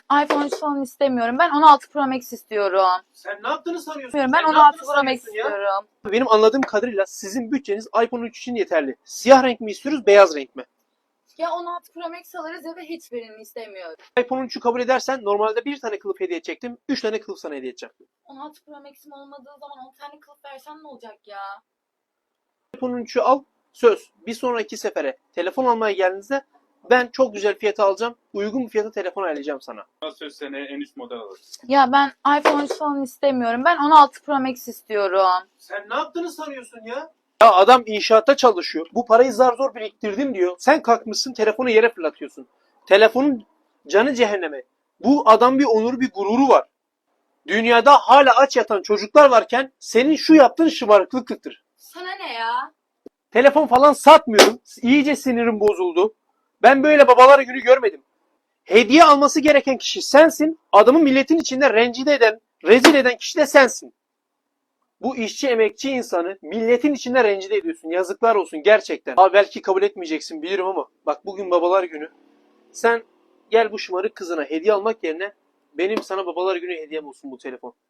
iPhone 13 falan istemiyorum. Ben 16 Pro Max istiyorum. Sen ne yaptığını sanıyorsun? Ben Sen ne 16 yaptığını Pro Max sanıyorsun ya? istiyorum. Benim anladığım kadarıyla sizin bütçeniz iPhone 13 için yeterli. Siyah renk mi istiyoruz, beyaz renk mi? Ya 16 Pro Max alırız ya da hiçbirini istemiyorum. iPhone 13'ü kabul edersen normalde bir tane kılıf hediye edecektim. 3 tane kılıf sana hediye edeceğim. 16 Pro Max'im olmadığı zaman 10 tane kılıf versen ne olacak ya? iPhone 13'ü al, söz. Bir sonraki sefere telefon almaya geldiğinizde ben çok güzel fiyata alacağım. Uygun bir fiyata telefon ayarlayacağım sana. Söz seneye en üst model alırız. Ya ben iPhone 13 falan istemiyorum. Ben 16 Pro Max istiyorum. Sen ne yaptığını sanıyorsun ya? Ya adam inşaatta çalışıyor. Bu parayı zar zor biriktirdim diyor. Sen kalkmışsın telefonu yere fırlatıyorsun. Telefonun canı cehenneme. Bu adam bir onuru, bir gururu var. Dünyada hala aç yatan çocuklar varken senin şu yaptığın şımarıklıktır. Sana ne ya? Telefon falan satmıyorum. İyice sinirim bozuldu. Ben böyle babalar günü görmedim. Hediye alması gereken kişi sensin. Adamı milletin içinde rencide eden, rezil eden kişi de sensin. Bu işçi emekçi insanı milletin içinde rencide ediyorsun. Yazıklar olsun gerçekten. Abi belki kabul etmeyeceksin bilirim ama bak bugün babalar günü. Sen gel bu şımarık kızına hediye almak yerine benim sana babalar günü hediyem olsun bu telefon.